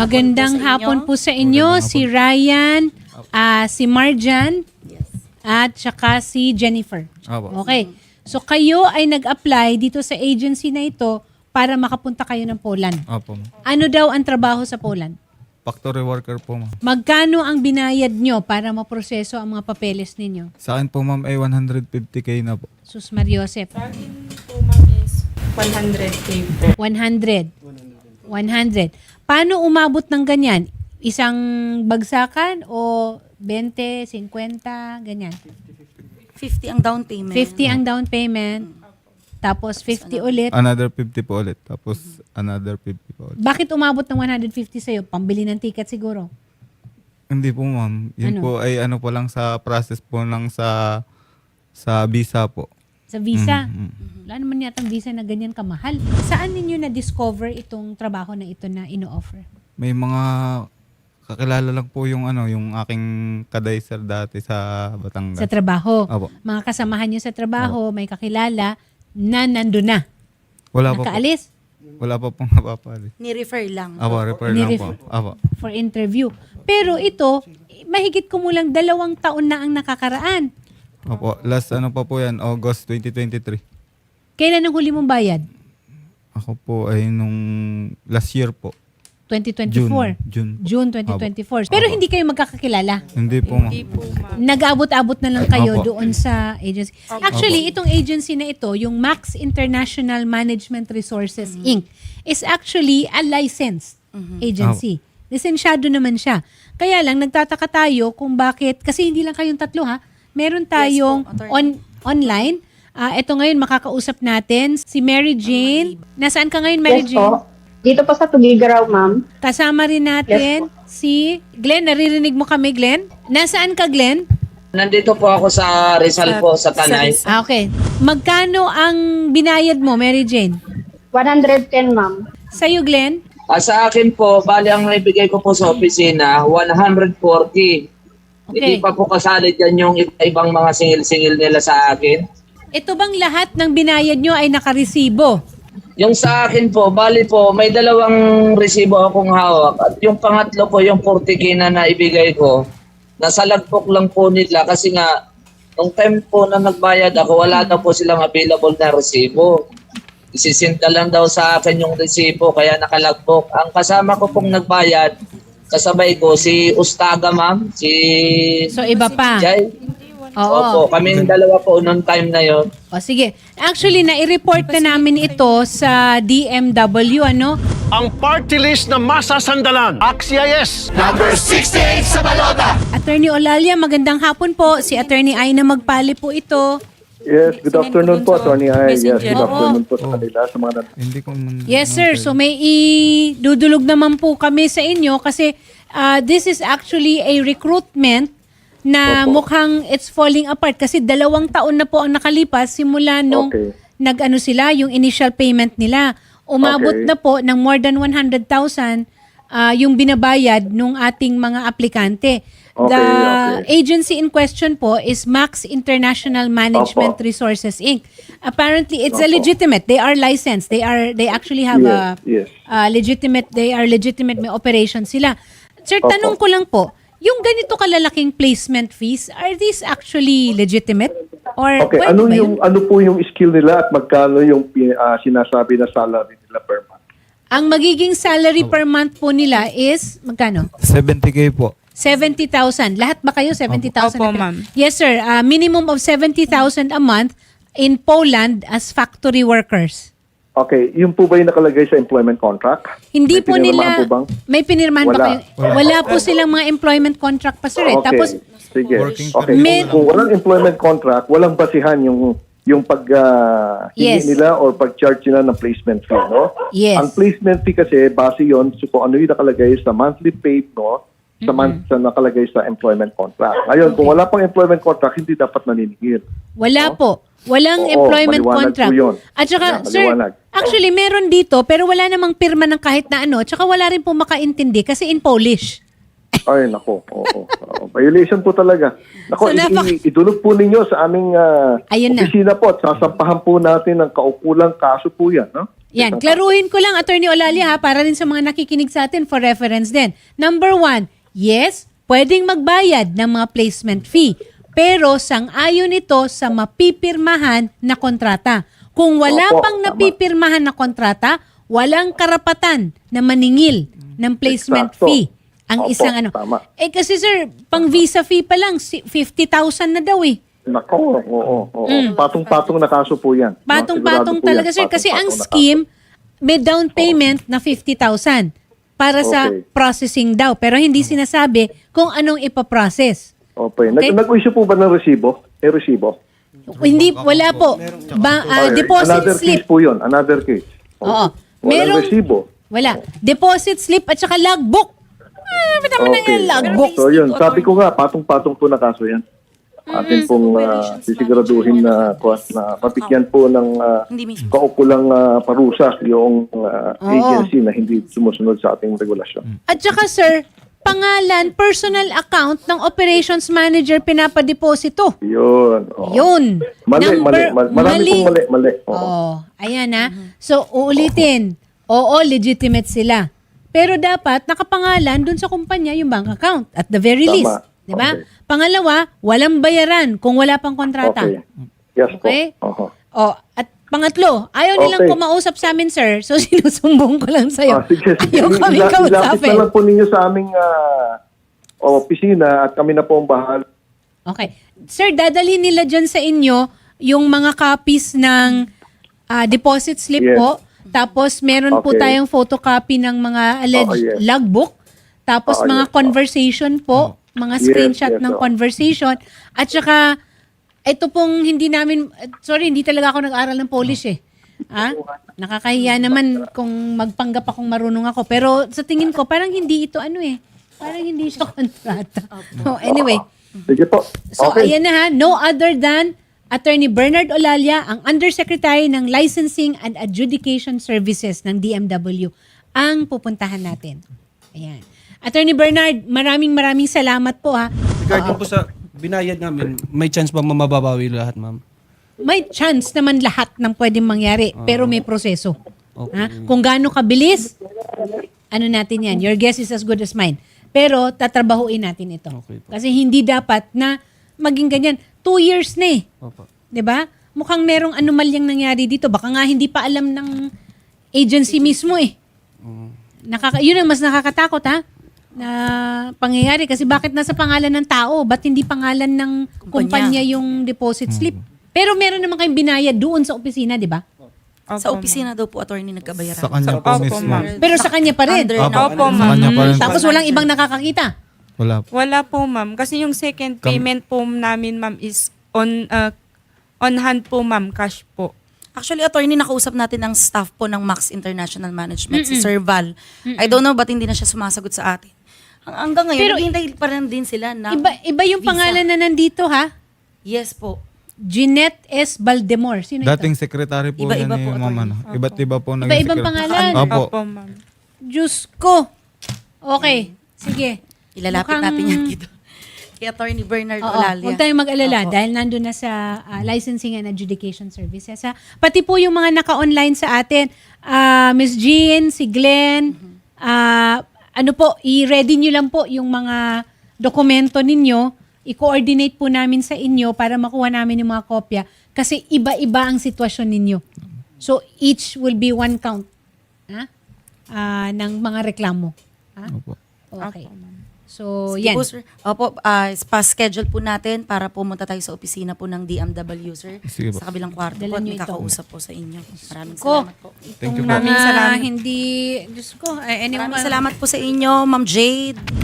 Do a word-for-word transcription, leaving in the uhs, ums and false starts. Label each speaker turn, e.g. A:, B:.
A: Magandang hapon po sa inyo, si Ryan, ah, si Marjan, at saka si Jennifer.
B: Opo.
A: Okay. So kayo ay nag-apply dito sa agency na ito para makapunta kayo ng Poland.
B: Opo, ma'am.
A: Ano daw ang trabaho sa Poland?
B: Factory worker po, ma'am.
A: Magkano ang binayad nyo para maproseso ang mga papeles ninyo?
B: Sa akin po, ma'am, ay one hundred fifty K na po.
A: Sus Mariosep.
C: Sa akin po, ma'am, is one hundred K po.
A: one hundred. one hundred. Paano umabot ng ganyan? Isang bagsakan o twenty, fifty, ganyan?
C: fifty ang down payment.
A: fifty ang down payment, tapos fifty ulit.
B: Another fifty po ulit. Tapos another fifty po ulit.
A: Bakit umabot ng one hundred fifty sa'yo? Pambili ng ticket siguro.
B: Hindi po, ma'am. Yun
A: Ano?
B: po ay ano po lang sa process po lang sa sa visa po.
A: Sa visa.
B: Mhm, mhm.
A: Wala naman yatang visa na ganyan kamahal. Saan ninyo na-discover itong trabaho na ito na ino-offer?
B: May mga kakilala lang po yung ano, yung aking kadayser dati sa Batangas.
A: Sa trabaho.
B: Opo.
A: Mga kasamahan nyo sa trabaho, may kakilala na nandun na.
B: Wala pa po.
A: Nakaalis
B: Wala pa pong napapali.
C: Ni-refer lang.
B: Apo, refer lang po.
A: Ni-refer.
B: Apo.
A: for interview. Pero ito, mahigit kumulang dalawang taon na ang nakakaraan.
B: Opo. Last ano pa po yan, August twenty twenty-three.
A: Kailan ang huli mong bayad?
B: Ako po ay nung last year po.
A: twenty twenty-four.
B: June. June.
A: June twenty twenty-four. Pero hindi kayo magkakakilala.
B: Hindi po, ma'am.
C: Hindi po, ma'am.
A: Nag-abot-abot na lang kayo
B: Opo.
A: doon sa agency. Actually, itong agency na ito, yung Max International Management Resources Incorporated, is actually a licensed agency. Lisensyado naman siya. Kaya lang, nagtataka tayo kung bakit, kasi hindi lang kayong tatlo ha, meron tayong
C: Yes po, attorney.
A: on, online. Ah, ito ngayon, makakausap natin si Mary Jane. Nasaan ka ngayon, Mary
D: Yes
A: Jane?
D: po. Dito po sa Tugigaraw, ma'am.
A: Kasama rin natin si Glenn. Naririnig mo kami, Glenn? Nasaan ka, Glenn?
E: Nandito po ako sa Rizal po, sa Tanay.
A: Ah, okay. Magkano ang binayad mo, Mary Jane?
D: one hundred ten, ma'am.
A: Sa'yo, Glenn?
E: Ah, sa akin po, bali ang naibigay ko po sa opisina, one hundred forty.
A: Okay.
E: Hindi pa po kasali dyan yung ibang mga singil-singil nila sa akin.
A: Ito bang lahat ng binayad nyo ay nakaresibo?
E: Yung sa akin po, bali po, may dalawang resibo akong hawak. At yung pangatlo po, yung forty K na naibigay ko, nasa lagpok lang po nila kasi nga, nung time po na nagbayad ako, wala na po silang available na resibo. Isisinta lang daw sa akin yung resibo, kaya nakalagpok. Ang kasama ko pong nagbayad, kasabay ko, si Ustaga, ma'am, si
A: So, iba pa.
E: Jai.
A: Oo.
E: Opo, kaming dalawa po noong time na yon.
A: O, sige. Actually, na-report na namin ito sa D M W, ano?
F: Ang party list na masasandalan. Axies!
A: Attorney Olalia, magandang hapon po. Si Attorney Aina Magpali po ito.
G: Yes, good
C: Sinend
G: afternoon
C: ko dun
G: po,
C: sa
G: Tony Ay. Yes,
C: messenger.
G: good
A: Oo.
G: afternoon po sa kanila, sa mga nan-
B: Hindi ko man...
A: Yes, sir. So, may idudulog naman po kami sa inyo kasi uh, this is actually a recruitment na
G: Opo.
A: mukhang it's falling apart kasi dalawang taon na po ang nakalipas simula nung
G: Okay.
A: nag-ano sila, yung initial payment nila. Umabot
G: Okay.
A: na po ng more than one hundred thousand uh, yung binabayad nung ating mga aplikante.
G: Okay,
A: The
G: okay.
A: agency in question po is Max International Management
G: Opo.
A: Resources Incorporated. Apparently, it's a
G: Opo.
A: legitimate. They are licensed. They are they actually have a
G: Yes, yes.
A: uh, legitimate, they are legitimate, may operation sila. Sir,
G: Opo.
A: tanong ko lang po, yung ganito kalalaking placement fees, are these actually legitimate? Or
G: Okay,
A: pwede
G: ano
A: ba
G: yung
A: yun?
G: ano po yung skill nila at magkano yung pi- ah, sinasabi na salary nila per month?
A: Ang magiging salary per month po nila is, magkano?
B: seventy K po.
A: seventy thousand. Lahat ba kayo seventy thousand?
C: Opo, ma'am.
A: Yes, sir. Uh, minimum of seventy thousand a month in Poland as factory workers.
G: Okay, yung po ba yung nakalagay sa employment contract?
A: Hindi
G: May
A: po
G: pinirmahan
A: nila,
G: po bang?
A: may pinirmahan ba
G: Wala.
A: kayo? Wala. po silang mga employment contract pa, sir. Eh.
G: Okay,
A: Tapos,
G: sige.
B: Working
G: Okay,
A: May-
G: kung walang employment contract, walang basihan yung yung pag ah,
A: Yes.
G: hingi nila or pag-charge nila ng placement fee, no?
A: Yes.
G: Ang placement fee kasi base yon so kung ano yung nakalagay sa monthly paid, no? Sa month sa nakalagay sa employment contract. Ngayon, kung wala pang employment contract, hindi dapat naniningil.
A: wala po. Walang
G: Oo,
A: employment
G: maliwanag
A: contract.
G: po yun.
A: At saka,
G: Yeah,
A: sir,
G: maliwanag.
A: actually, meron dito, pero wala namang pirma ng kahit na ano. At saka wala rin po makaintindi kasi in Polish.
G: Ay, nako. Oo. Oo. Violation po talaga. Nako,
A: So, napak-
G: i- i- idulog po ninyo sa aming ah,
A: Ayun na.
G: opisina po at sasampahan po natin ng kaukulang kaso po yan. No?
A: Yan,
G: Isang
A: klaruhin ko lang, Attorney Olalia ha, para rin sa mga nakikinig sa atin for reference din. Number one, yes, pwedeng magbayad ng mga placement fee. Pero sang-ayon ito sa mapipirmahan na kontrata. Kung wala
G: Opo,
A: pang
G: tama.
A: napipirmahan na kontrata, walang karapatan na maningil ng placement
G: Eksakto.
A: fee. Ang
G: Opo,
A: isang ano.
G: tama.
A: Eh kasi sir, pang visa fee pa lang, si- fifty thousand na daw eh.
G: Nako, oo, oo. Patong-patong na kaso po yan.
A: Mm. Patong-patong
G: Sigurado po
A: talaga
G: yan.
A: sir. Kasi ang
G: Patong-patong na
A: scheme, may down payment na fifty thousand para sa
G: Okay.
A: processing daw. Pero hindi sinasabi kung anong ipaprocess.
G: kaso. Okay. Nag-
A: Okay.
G: Nag-issue po ba ng resibo? May resibo?
A: Hindi, wala po. Ba, ah,
G: Okay.
A: deposit
G: Another
A: slip.
G: case po yun. Another case.
A: Oo.
G: Walang
A: Merong-
G: resibo.
A: Wala. Deposit slip at saka logbook. Ah, ba't naman
G: Okay.
A: ang logbook?
G: So yun, sabi ko nga, patong-patong po na kaso yan. Atin pong uh, sisiguraduhin na, na mabigyan po ng uh,
H: Hindi mismo.
G: kaukulang uh, parusa yung uh,
A: Oo.
G: agency na hindi sumusunod sa ating regulasyon.
A: At saka sir, pangalan, personal account ng operations manager pinapadeposito.
G: Yun. oo.
A: Yun.
G: Mali,
A: Number-
G: mali, mali. Marami pong mali, mali. Oo.
A: Oh, ayan na. So, uulitin. Oo, legitimate sila. Pero dapat nakapangalan dun sa kumpanya yung bank account at the very
G: Tama.
A: least. Di ba?
G: Okay.
A: Pangalawa, walang bayaran kung wala pang kontrata.
G: Okay. Yes
A: Okay?
G: po. Oho.
A: Oh, at pangatlo, ayaw nilang
G: Okay.
A: kumausap sa amin, sir. So, sinusumbong ko lang sa'yo.
G: Ah, sige, sige.
A: Ayaw kami
G: Ila- Ilapit na
A: kausapin.
G: lang po ninyo sa aming ah, opisina at kami na po ang bahala.
A: Okay. Sir, dadalhin nila dyan sa inyo yung mga copies ng ah, deposit slip
G: Yes.
A: po. Tapos, meron po
G: Okay.
A: tayong photocopy ng mga alleged
G: Oo, yes.
A: logbook. Tapos,
G: Oo,
A: mga
G: yes.
A: conversation po. Mga
G: Yes,
A: screenshot
G: yes,
A: ng
G: oo.
A: conversation. At saka, ito pong hindi namin, sorry, hindi talaga ako nag-aral ng Polish eh. Ha? Nakakahiya naman kung magpanggap akong marunong ako. Pero sa tingin ko, parang hindi ito ano eh. Parang hindi siya kontrata. Oh, anyway.
G: Sige po.
A: So,
G: Okay.
A: ayan na ha. No other than Attorney Bernard Olalia, ang Undersecretary ng Licensing and Adjudication Services ng D M W, ang pupuntahan natin. Ayan. Attorney Bernard, maraming maraming salamat po ha.
I: Regarding po sa binayad namin, may chance ba mababawi lahat, ma'am?
A: May chance naman lahat ng pwedeng mangyari, pero may proseso.
I: Okay.
A: Ha? Kung gaano kabilis, ano natin yan, your guess is as good as mine. Pero tatrabahuin natin ito.
I: Okay po.
A: Kasi hindi dapat na maging ganyan. Two years na eh.
I: Opo.
A: 'Di ba? Mukhang merong anomalyang nangyari dito. Baka nga hindi pa alam ng agency mismo eh. Nakaka yun ang mas nakakatakot ha na pangyayari kasi bakit nasa pangalan ng tao? Ba't hindi pangalan ng kumpanya,
H: Kumpanya.
A: yung deposit slip? Pero meron naman kayong binayad doon sa opisina, 'di ba?
H: Sa opisina daw po, attorney, nagkabayaran.
B: Sa kanya po
C: Opo,
B: mismo.
C: ma'am.
A: Pero sa kanya pa rin.
H: Under
B: Opo,
H: na-
C: Opo,
B: sa
C: ma'am.
B: kanya pa rin.
A: Tapos walang ibang nakakakita.
B: Wala po.
C: Wala po, ma'am. Kasi yung second
B: Kam-
C: payment po namin, ma'am, is on uh, on hand po, ma'am. Cash po.
H: Actually, attorney, nakausap natin ng staff po ng Max International Management, si Sir Val. I don't know ba't hindi na siya sumasagot sa atin. Hang- Hanggang ngayon,
A: Pero-
H: naghihintay pa rin din sila na
A: Iba iba yung
H: visa.
A: pangalan na nandito ha.
H: Yes po.
A: Jeanette S. Baldemor. Sino ito?
B: Dating secretary po
H: Iba-iba
B: yan
H: po,
B: ni ma'am.
H: attorney.
B: Ano. Iba't iba po naging
A: Iba-ibang
B: secretary.
A: pangalan.
B: Opo.
C: Opo, ma'am.
A: Diyos ko. Okay. Sige.
H: Ilalapit
A: Mukhang-
H: natin yan dito. Kay Attorney Bernard
A: Oo,
H: Olalia.
A: huwag tayong mag-alala
H: Opo.
A: dahil nandun na sa ah, Licensing and Adjudication Services. Ha? Pati po yung mga naka-online sa atin, ah, Miss Jean, si Glenn, ah, ano po, i-ready nyo lang po yung mga dokumento ninyo, i-coordinate po namin sa inyo para makuha namin yung mga kopya kasi iba-iba ang sitwasyon ninyo. So, each will be one count ha? Ah, ng mga reklamo. Ha?
B: Opo.
A: Okay. So,
H: Sige
A: yan.
H: po, sir. Opo, ah, pa-schedule po natin para pumunta tayo sa opisina po ng D M W, sir.
B: Sige po.
H: Sa kabilang kwarto
A: Dala
H: po at
A: nyo
H: may
A: ito.
H: kakausap po sa inyo. Maraming
A: Ko,
H: salamat po.
B: Thank you
A: itong
B: po.
A: mga
C: Maraming salamat.
A: hindi, Diyos ko, eh, anyway,
H: Maraming salamat po sa inyo, Ma'am Jade.